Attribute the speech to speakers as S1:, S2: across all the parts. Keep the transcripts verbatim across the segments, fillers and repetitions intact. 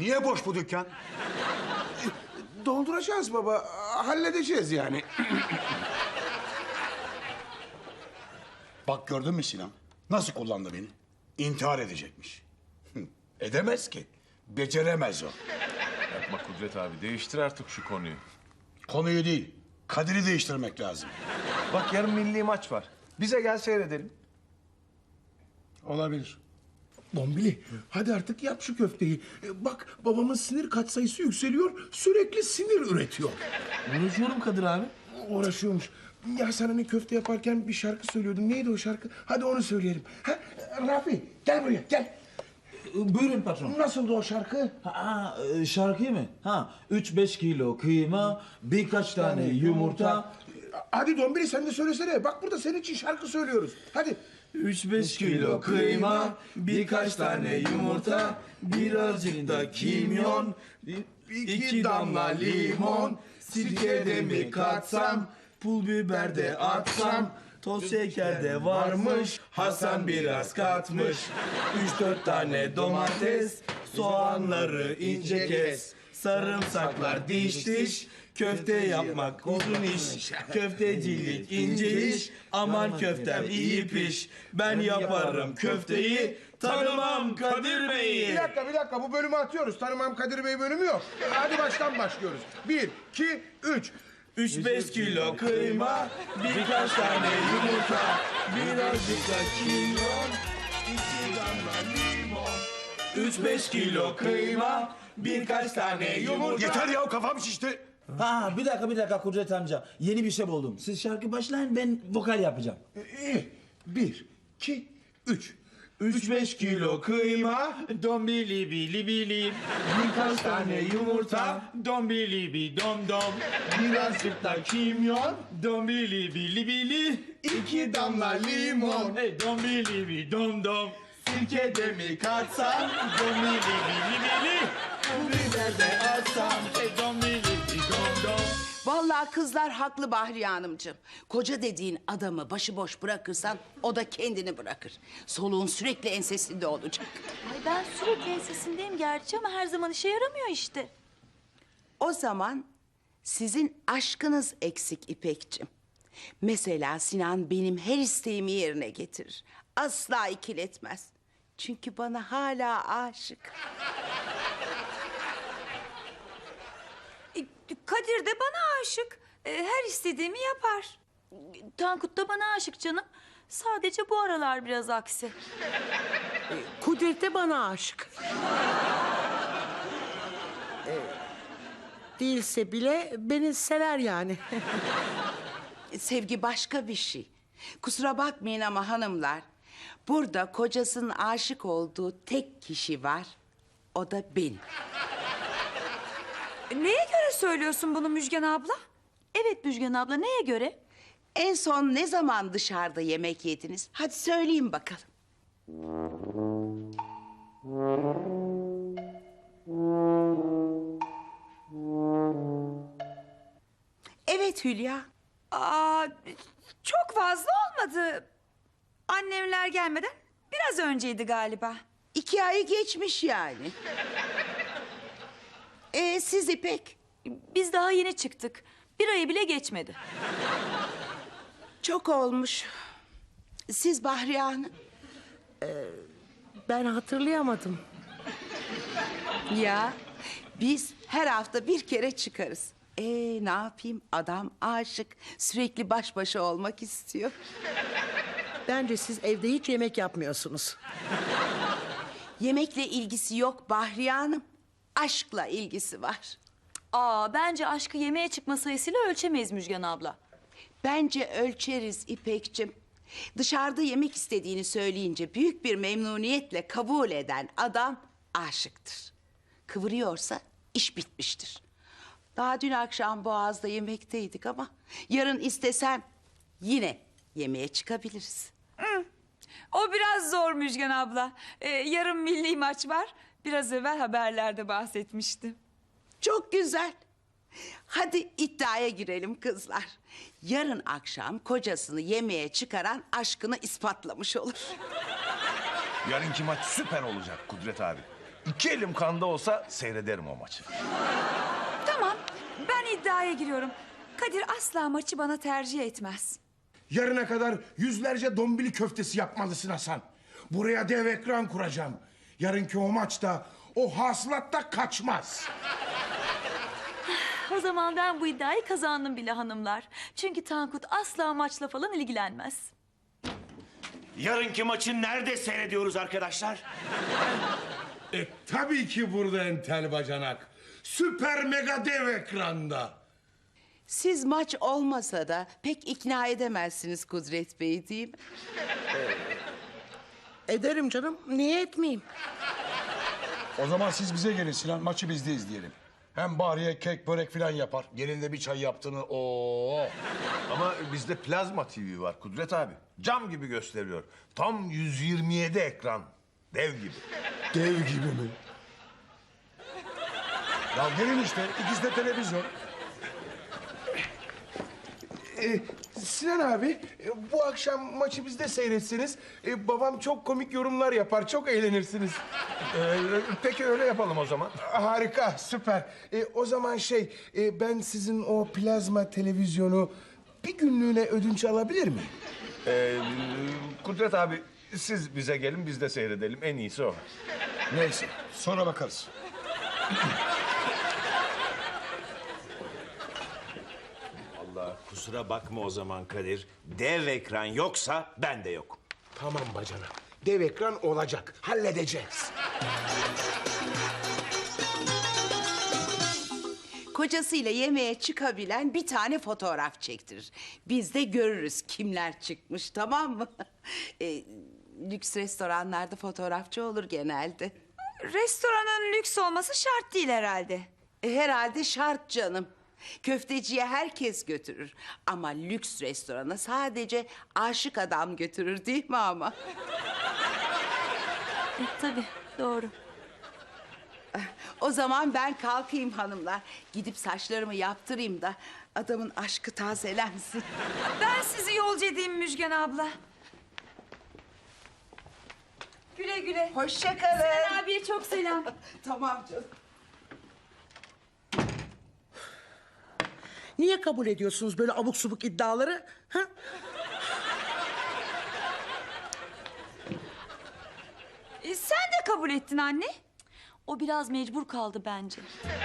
S1: Niye boş bu dükkan?
S2: Dolduracağız baba. Halledeceğiz yani.
S1: Bak gördün mü Sinan? Nasıl kullandı beni? İntihar edecekmiş. Edemez ki. Beceremez o.
S3: Yapma Kudret abi, değiştir artık şu konuyu.
S1: Konuyu değil, Kadir'i değiştirmek lazım.
S4: Bak yarın milli maç var. Bize gel seyredelim.
S1: Olabilir.
S2: Bombili, hadi artık yap şu köfteyi. E, Bak babamın sinir katsayısı yükseliyor. Sürekli sinir üretiyor.
S4: Uğraşıyorum Kadir abi.
S2: Uğraşıyormuş. Ya sen hani köfte yaparken bir şarkı söylüyordun. Neydi o şarkı? Hadi onu söyleyelim. Ha, Rafi gel buraya gel.
S5: Buyurun patron.
S2: Nasıldı o şarkı?
S5: Ha, e, şarkı mı? Ha, üç beş kilo kıyma, birkaç tane yumurta.
S2: Hadi Dombili sen de söylesene. Bak burada senin için şarkı söylüyoruz. Hadi.
S5: Üç beş kilo kıyma, birkaç tane yumurta, birazcık da kimyon, iki damla limon, sirke de mi katsam, pul biber de atsam, toz şeker de varmış, Hasan biraz katmış. Üç dört tane domates, soğanları ince kes, sarımsaklar diş diş, köfte yapmak uzun iş, köftecilik ince iş, aman köftem iyi piş, ben yaparım köfteyi, tanımam Kadir Bey'i.
S2: Bir dakika bir dakika bu bölümü atıyoruz. Tanımam Kadir Bey bölümü yok. Hadi baştan başlıyoruz. Bir, iki, üç.
S5: Üç beş kilo kıyma, birkaç tane yumurta, birazcık da kimyon, iki damla limon. Üç beş kilo kıyma, birkaç tane yumurta.
S1: Yeter ya, kafam şişti.
S5: Ha bir dakika bir dakika Kudret amca. Yeni bir şey buldum. Siz şarkı başlayın, ben vokal yapacağım.
S2: İyi. Bir, iki, üç.
S5: Üç beş kilo kıyma, dombili bili bili, birkaç tane yumurta, dombili bi dom dom, birazcık da kimyon, dombili bili bili, iki damla limon, hey dombili bi dom dom, sirke de mi katsam, dombili bili bili, pul biber de atsam, hey dombili bi dom dom.
S6: Vallahi kızlar haklı Bahriye Hanımcığım. Koca dediğin adamı başıboş bırakırsan o da kendini bırakır. Soluğun sürekli ensesinde olacak.
S7: Ay ben sürekli ensesindeyim gerçi ama her zaman işe yaramıyor işte.
S6: O zaman sizin aşkınız eksik İpekciğim. Mesela Sinan benim her isteğimi yerine getirir. Asla ikiletmez. Çünkü bana hala aşık.
S7: E, Kadir de bana aşık. E, Her istediğimi yapar. Tankut da bana aşık canım. Sadece bu aralar biraz aksi.
S8: Kudret de bana aşık. Ee, değilse bile beni sever yani.
S6: Sevgi başka bir şey. Kusura bakmayın ama hanımlar, burada kocasının aşık olduğu tek kişi var. O da benim.
S7: Neye göre söylüyorsun bunu Müjgan abla? Evet Müjgan abla, neye göre?
S6: En son ne zaman dışarıda yemek yediniz? Hadi söyleyin bakalım. Evet Hülya.
S7: Aa, çok fazla olmadı. Annemler gelmeden biraz önceydi galiba.
S6: İki ayı geçmiş yani. Ee, siz İpek?
S7: Biz daha yeni çıktık. Bir ayı bile geçmedi.
S6: Çok olmuş. Siz Bahriye Hanım?
S8: Ben hatırlayamadım.
S6: Ya biz her hafta bir kere çıkarız. Ee, ne yapayım? Adam aşık. Sürekli baş başa olmak istiyor.
S8: Bence siz evde hiç yemek yapmıyorsunuz.
S6: Yemekle ilgisi yok Bahriye Hanım. Aşkla ilgisi var.
S7: Aa, bence aşkı yemeğe çıkma sayısıyla ölçemeyiz Müjgan abla.
S6: Bence ölçeriz İpekçim. Dışarıda yemek istediğini söyleyince büyük bir memnuniyetle kabul eden adam aşıktır. Kıvırıyorsa iş bitmiştir. Daha dün akşam Boğaz'da yemekteydik ama yarın istesem yine yemeğe çıkabiliriz.
S7: O biraz zor Müjgan abla. Ee, yarın milli maç var. Biraz evvel haberlerde bahsetmiştim.
S6: Çok güzel. Hadi iddiaya girelim kızlar. Yarın akşam kocasını yemeğe çıkaran aşkını ispatlamış olur.
S3: Yarınki maç süper olacak Kudret abi. İki elim kanda olsa seyrederim o maçı.
S7: Tamam, ben iddiaya giriyorum. Kadir asla maçı bana tercih etmez.
S2: Yarına kadar yüzlerce dombili köftesi yapmalısın Hasan. Buraya dev ekran kuracağım. Yarınki o maçta o hasılatta kaçmaz.
S7: O zaman ben bu iddiayı kazandım bile hanımlar. Çünkü Tankut asla maçla falan ilgilenmez.
S9: Yarınki maçı nerede seyrediyoruz arkadaşlar?
S2: E tabii ki burada entel bacanak. Süper mega dev ekranda.
S6: Siz maç olmasa da pek ikna edemezsiniz Kudret Bey değil mi?
S8: Ederim canım. Niye etmeyeyim?
S1: O zaman siz bize gelin Sinan, maçı bizde izleyelim. Hem Bahriye kek, börek falan yapar. Gelin de bir çay yaptığını, ooo.
S3: Ama bizde plazma T V var Kudret abi. Cam gibi gösteriyor. Tam yüz yirmi yedi ekran. Dev gibi.
S2: Dev gibi mi?
S1: Ya gelin işte, ikisi de televizyon.
S2: Ee, Sinan abi, e, bu akşam maçı bizde seyretseniz... e, babam çok komik yorumlar yapar, çok eğlenirsiniz.
S3: Ee, peki öyle yapalım o zaman.
S2: Harika, süper. E, o zaman şey, e, ben sizin o plazma televizyonu bir günlüğüne ödünç alabilir miyim?
S3: Ee, Kudret abi siz bize gelin biz de seyredelim. En iyisi o.
S1: Neyse, sonra bakarız.
S9: Allah kusura bakma o zaman Kadir. Dev ekran yoksa ben de yok.
S2: Tamam bacana, dev ekran olacak, halledeceğiz.
S6: Kocasıyla yemeğe çıkabilen bir tane fotoğraf çektirir. Biz de görürüz kimler çıkmış, tamam mı? E, lüks restoranlarda fotoğrafçı olur genelde.
S7: Restoranın lüks olması şart değil herhalde.
S6: E, herhalde şart canım. Köfteciye herkes götürür. Ama lüks restorana sadece aşık adam götürür değil mi ama?
S7: E, tabii, doğru.
S6: O zaman ben kalkayım hanımlar. Gidip saçlarımı yaptırayım da adamın aşkı tazelensin.
S7: Ben sizi yolcu edeyim Müjgan abla. Güle güle.
S6: Hoşça kalın.
S7: Sinan abiye çok selam.
S6: Tamam canım.
S8: Niye kabul ediyorsunuz böyle abuk subuk iddiaları? Ha?
S7: E, sen de kabul ettin anne. O biraz mecbur kaldı bence.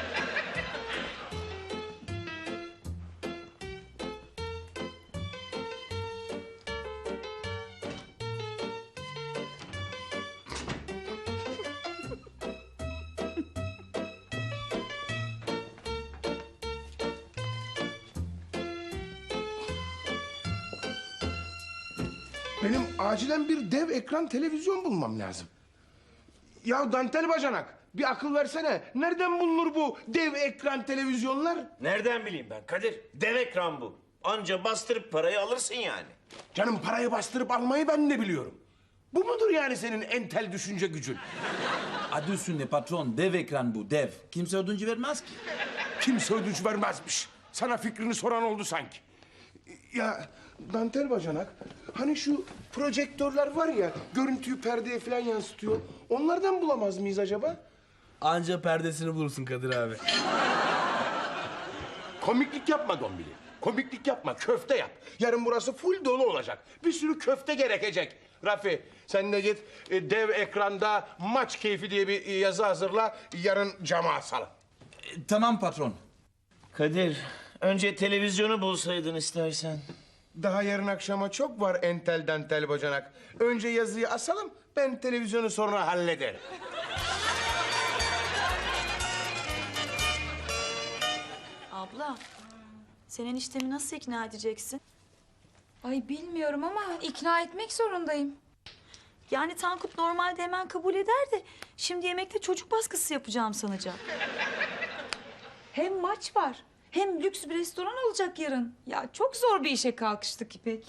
S2: Benim acilen bir dev ekran televizyon bulmam lazım. Ya dantel bacanak, bir akıl versene. Nereden bulunur bu dev ekran televizyonlar?
S9: Nereden bileyim ben Kadir? Dev ekran bu. Anca bastırıp parayı alırsın yani.
S2: Canım, parayı bastırıp almayı ben de biliyorum. Bu mudur yani senin entel düşünce gücün?
S5: Adı üstünde patron, dev ekran bu, dev. Kimse ödünç vermez ki.
S2: Kimse ödünç vermezmiş. Sana fikrini soran oldu sanki. Ya dantel bacanak, hani şu projektörler var ya, görüntüyü perdeye falan yansıtıyor. Onlardan bulamaz mıyız acaba?
S5: Anca perdesini bulursun Kadir abi.
S2: Komiklik yapma Dombili. Komiklik yapma, köfte yap. Yarın burası full dolu olacak. Bir sürü köfte gerekecek. Rafi, sen de git e, dev ekranda maç keyfi diye bir e, yazı hazırla. Yarın cama asalım.
S5: E, tamam patron.
S9: Kadir, önce televizyonu bulsaydın istersen.
S2: Daha yarın akşama çok var entel dantel bacanak. Önce yazıyı asalım, ben televizyonu sonra hallederim.
S7: Abla, sen eniştemi nasıl ikna edeceksin? Ay bilmiyorum ama ikna etmek zorundayım. Yani Tankut normalde hemen kabul eder de... ...şimdi yemekte çocuk baskısı yapacağım sanacak. Hem maç var, hem lüks bir restoran olacak yarın. Ya çok zor bir işe kalkıştık İpek.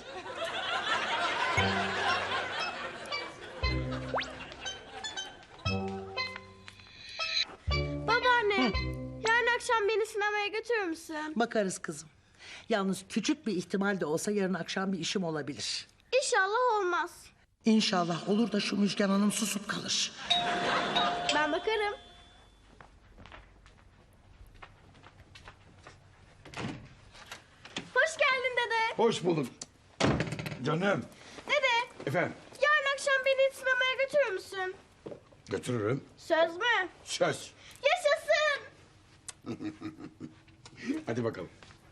S10: Babaanne, yarın akşam beni sinemaya götürür müsün?
S8: Bakarız kızım. Yalnız küçük bir ihtimal de olsa yarın akşam bir işim olabilir.
S10: İnşallah olmaz.
S8: İnşallah olur da şu Müjgan Hanım susup kalır.
S10: Ben Bakarım. Hoş geldin dede.
S1: Hoş bulduk. Canım.
S10: Dede,
S1: Efendim?
S10: yarın akşam beni sinemaya götürür müsün?
S1: Götürürüm.
S10: Söz mü?
S1: Söz.
S10: Yaşasın.
S1: Hadi bakalım.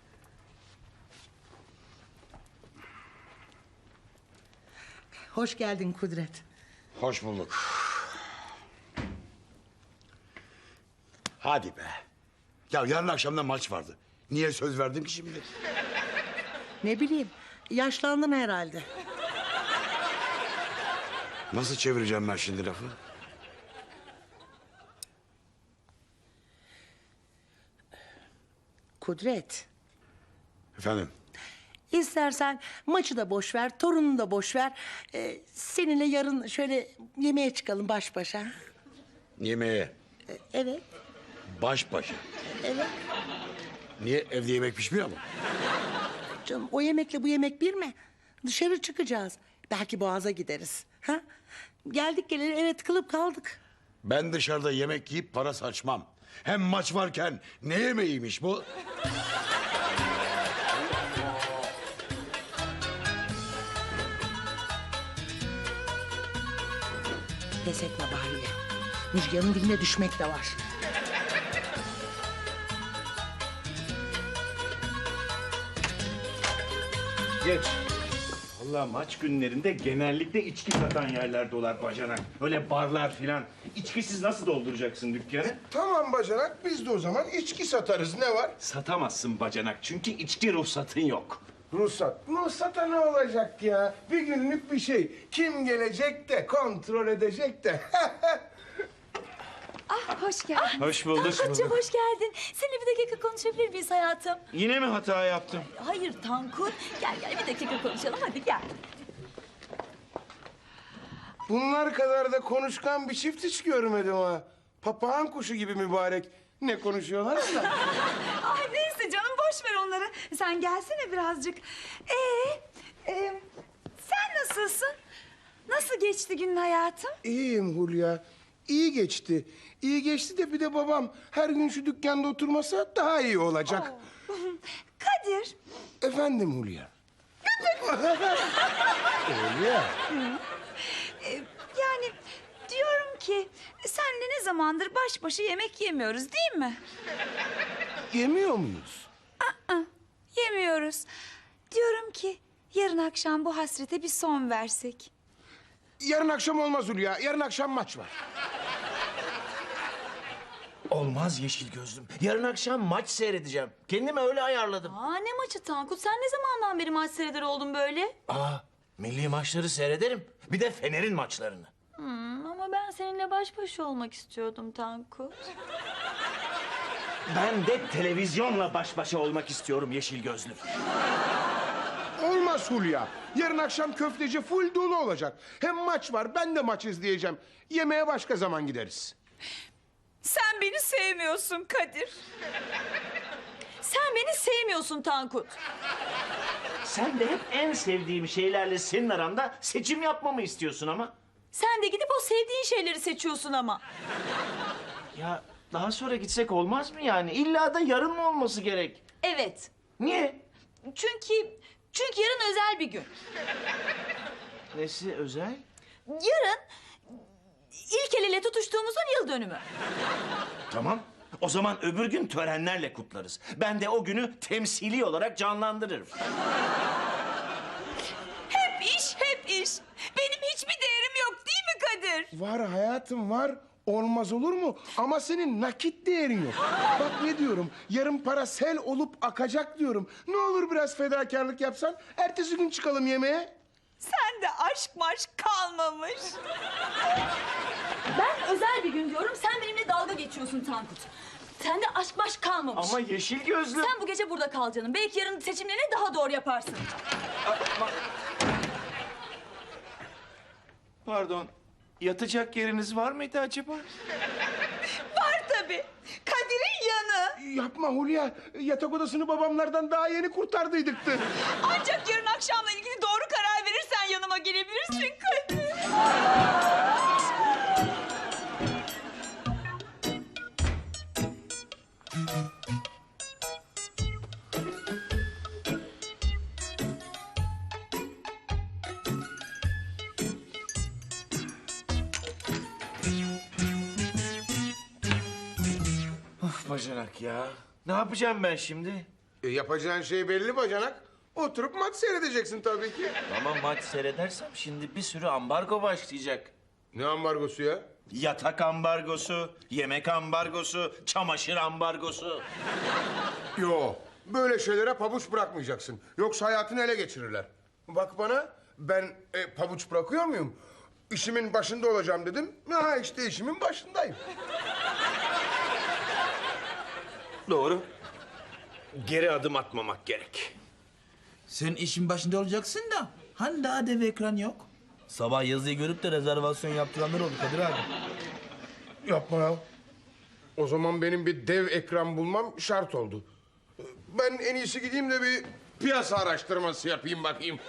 S8: Hoş geldin Kudret.
S1: Hoş bulduk. Hadi be. Ya yarın akşamda maç vardı. Niye söz verdim ki şimdi?
S8: Ne bileyim, yaşlandın herhalde.
S1: Nasıl çevireceğim ben şimdi lafı?
S8: Kudret,
S1: Efendim?
S8: istersen maçı da boş ver, torununu da boş ver. Ee, seninle yarın şöyle yemeğe çıkalım baş başa.
S1: Yemeğe.
S8: Ee, evet,
S1: Baş başa.
S8: evet.
S1: Niye evde yemek pişmiyor mu?
S8: Canım o yemekle bu yemek bir mi? Dışarı çıkacağız. Belki Boğaz'a gideriz. Ha? Geldik geleli eve tıkılıp kaldık.
S1: Ben dışarıda yemek yiyip para saçmam. Hem maç varken ne yemeğiymiş bu?
S8: Pes etme Bahriye. Müjgan'ın diline düşmek de var.
S9: Geç. Vallahi maç günlerinde genellikle içki satan yerler dolar bacanak. Öyle barlar filan. İçkisiz nasıl dolduracaksın dükkanı?
S2: Tamam bacanak, biz de o zaman içki satarız. Ne var?
S9: Satamazsın bacanak çünkü içki ruhsatın yok.
S2: Ruhsat. Ruhsata ne olacak ya? Bir günlük bir şey. Kim gelecek de kontrol edecek de.
S7: Ah hoş geldin.
S9: Hoş bulduk.
S7: Tankut'cum hoş geldin. Seninle bir dakika konuşabilir miyiz hayatım?
S9: Yine mi hata yaptım?
S7: Hayır Tankut. Gel gel bir dakika konuşalım hadi gel.
S2: Bunlar kadar da konuşkan bir çift hiç görmedim ha. Papağan kuşu gibi mübarek. Ne konuşuyorlarsa.
S7: Ay neyse canım boş ver onları. Sen gelsene birazcık. Ee, e, sen nasılsın? Nasıl geçti günün hayatım?
S2: İyiyim Hulya. İyi geçti. İyi geçti de bir de babam her gün şu dükkanda oturmasa daha iyi olacak.
S7: Kadir.
S2: Efendim Hulya. Hulya.
S7: e, yani diyorum ki senle ne zamandır baş başa yemek yemiyoruz değil mi?
S2: Yemiyor muyuz?
S7: Aa, yemiyoruz. Diyorum ki yarın akşam bu hasrete bir son versek.
S2: Yarın akşam olmaz Hulya. Yarın akşam maç var.
S9: Olmaz yeşil gözlüm. Yarın akşam maç seyredeceğim. Kendimi öyle ayarladım.
S7: Aa ne maçı Tankut? Sen ne zamandan beri maç seyreder oldun böyle?
S9: Aa, milli maçları seyrederim. Bir de Fener'in maçlarını.
S7: Hmm, ama ben seninle baş başa olmak istiyordum Tankut.
S9: Ben de televizyonla baş başa olmak istiyorum yeşil gözlüm.
S2: Olmaz Hulya. Yarın akşam köfteci full dolu olacak. Hem maç var, ben de maç izleyeceğim. Yemeğe başka zaman gideriz.
S7: Sen beni sevmiyorsun Kadir. Sen beni sevmiyorsun Tankut.
S9: Sen de hep en sevdiğim şeylerle senin aranda seçim yapmamı istiyorsun ama.
S7: Sen de gidip o sevdiğin şeyleri seçiyorsun ama.
S9: Ya daha sonra gitsek olmaz mı yani? İlla da yarın mı olması gerek?
S7: Evet.
S9: Niye?
S7: Çünkü çünkü yarın özel bir gün.
S9: Nesi özel?
S7: Yarın ilk el ele tutuştuğumuzun yıl dönümü.
S9: Tamam. O zaman öbür gün törenlerle kutlarız. Ben de o günü temsili olarak canlandırırım.
S7: Hep iş, hep iş. Benim hiçbir değerim yok değil mi Kadir?
S2: Var hayatım var. Olmaz olur mu? Ama senin nakit değerin yok. Bak ne diyorum. Yarın para sel olup akacak diyorum. Ne olur biraz fedakarlık yapsan. Ertesi gün çıkalım yemeğe.
S7: Sen de aşk maşk kalmamış. Ben özel bir gün diyorum, sen benimle dalga geçiyorsun Tankut. Sen de aşk maşk kalmamış.
S9: Ama yeşil gözlü.
S7: Sen bu gece burada kal canım. Belki yarın seçimlerini daha doğru yaparsın.
S9: Pardon. Yatacak yeriniz var mıydı acaba?
S7: Var tabii. Kadir'in yanı.
S2: Yapma Hulya. Yatak odasını babamlardan daha yeni kurtardıydıktı.
S7: Ancak yarın akşamla ilgili doğru karar verirsen yanıma gelebilirsin Kadir.
S9: Of bacanak ya. Ne yapacağım ben şimdi?
S2: E, yapacağın şey belli bacanak. Oturup maç seyredeceksin tabii ki.
S9: Ama maç seyredersem şimdi bir sürü ambargo başlayacak.
S2: Ne ambargosu ya?
S9: Yatak ambargosu, yemek ambargosu, çamaşır ambargosu.
S2: Yo, böyle şeylere pabuç bırakmayacaksın. Yoksa hayatını ele geçirirler. Bak bana, ben e, pabuç bırakıyor muyum? İşimin başında olacağım dedim. Ha işte işimin başındayım.
S9: Doğru. Geri adım atmamak gerek.
S5: Sen işin başında olacaksın da hani daha dev ekran yok. Sabah yazıyı görüp de rezervasyon yaptıranlar oldu Kadir abi.
S2: Yapma ya. O zaman benim bir dev ekran bulmam şart oldu. Ben en iyisi gideyim de bir piyasa araştırması yapayım bakayım.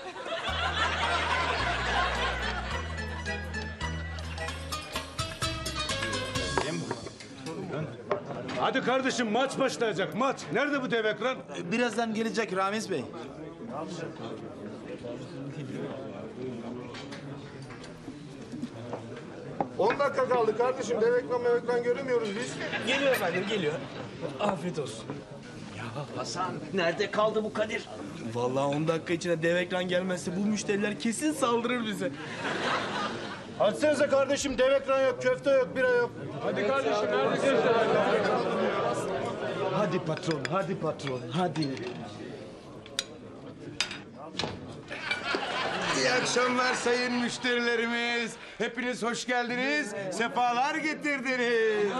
S11: Hadi kardeşim maç başlayacak maç. Nerede bu dev ekran?
S5: Birazdan gelecek Ramiz Bey.
S2: On dakika kaldı kardeşim. Dev ekran mev ekran göremiyoruz biz.
S5: Geliyor efendim geliyor. Afiyet olsun.
S9: Hasan, nerede kaldı bu Kadir?
S5: Vallahi on dakika içinde dev ekran gelmezse bu müşteriler kesin saldırır bize.
S11: Açsanıza kardeşim dev ekran yok, köfte yok, bira yok. Hadi kardeşim neredesin?
S5: Hadi patron, hadi patron, hadi.
S2: İyi akşamlar sayın müşterilerimiz. Hepiniz hoş geldiniz. Sefalar getirdiniz.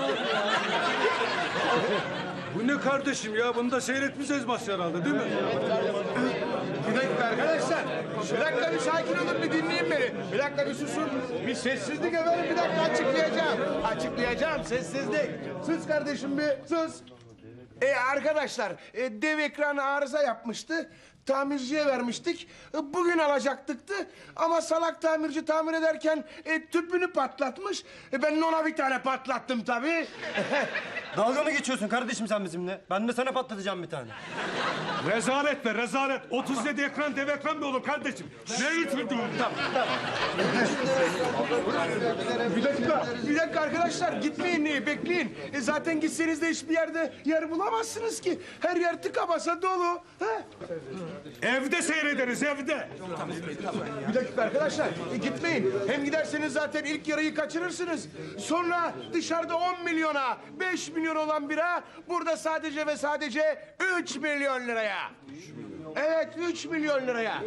S11: Bu ne kardeşim ya? Bunu da seyretmeyeceğiz maç herhalde değil mi?
S2: Bir dakika arkadaşlar. Bir dakika bir sakin olun bir dinleyin beni. Bir dakika bir susun. Bir sessizlik efendim. Bir dakika açıklayacağım. Açıklayacağım sessizlik. Sus kardeşim bir sus. E arkadaşlar e, dev ekran arıza yapmıştı. Tamirciye vermiştik. E, Bugün alacaktıktı. Ama salak tamirci tamir ederken e, tüpünü patlatmış. E, ben de ona bir tane patlattım tabii.
S11: Dalga mı geçiyorsun kardeşim sen bizimle? Ben de sana patlatacağım bir tane. Rezalet be rezalet. otuz yedi ekran dev ekran mı olur kardeşim? Ne lütfen tamam, tamam.
S2: Bir dakika, bir dakika arkadaşlar gitmeyin, e, bekleyin. E, zaten gitseniz de hiçbir yerde yer bulamazsınız ki. Her yer tıka basa dolu. Ha?
S11: Evde seyrederiz evde.
S2: Bir dakika arkadaşlar, e, gitmeyin. Hem giderseniz zaten ilk yarıyı kaçırırsınız. Sonra dışarıda on milyona, beş milyon olan bira burada sadece ve sadece üç milyon liraya. Evet, üç milyon liraya.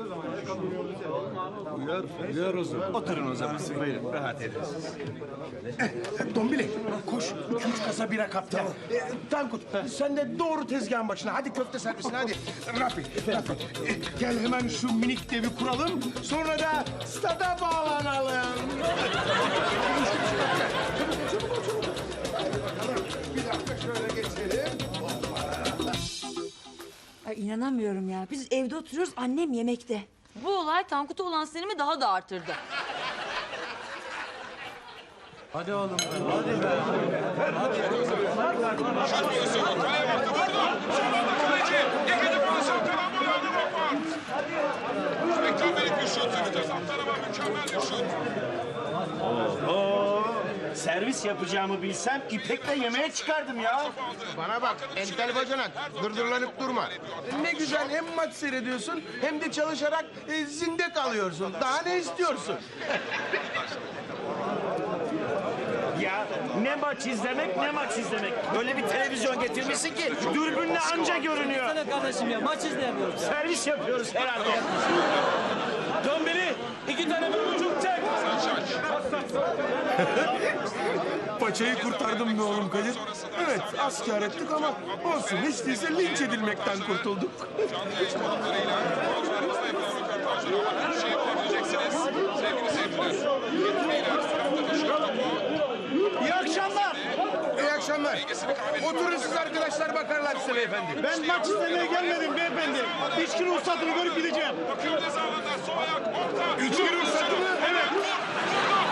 S9: Oturun o zaman. Buyurun, rahat edin.
S2: Dombili, koş. İki üç kasa bira kap gel. E, Tankut, sen de doğru tezgahın başına. Hadi köfte servisine hadi. Rafi, Rafi. e, gel hemen şu minik devi kuralım. Sonra da stada bağlanalım. Çabuk ol, çabuk ol. Bir dakika şöyle geçelim.
S12: Ay inanamıyorum ya. Biz evde oturuyoruz, annem yemekte.
S7: Bu olay Tankut'a olan sinirimi daha da artırdı.
S9: Oo, servis yapacağımı bilsem İpek'le yemeğe çıkardım ya.
S2: Bana bak entel bacanak, dırdırlanıp durma. Ne güzel hem maç seyrediyorsun hem de çalışarak e, zinde kalıyorsun. Daha ne istiyorsun?
S9: Ya ne maç izlemek ne maç izlemek. Öyle bir televizyon getirmişsin ki dürbünle anca görünüyor.
S5: Sana kardeşim ya maç izleyemiyoruz.
S9: Servis yapıyoruz herhalde.
S5: Dombili iki tane bir buçuk çek.
S2: Paçayı kurtardım be oğlum Kadir. Evet asker ettik ama olsun hiç değilse linç edilmekten kurtulduk. İyi akşamlar. İyi akşamlar. Oturun siz arkadaşlar bakarlar size beyefendi.
S11: Ben maç izlemeye gelmedim beyefendi. İçki ruhsatını görüp gideceğim.
S2: İçki ruhsatı mı? Evet.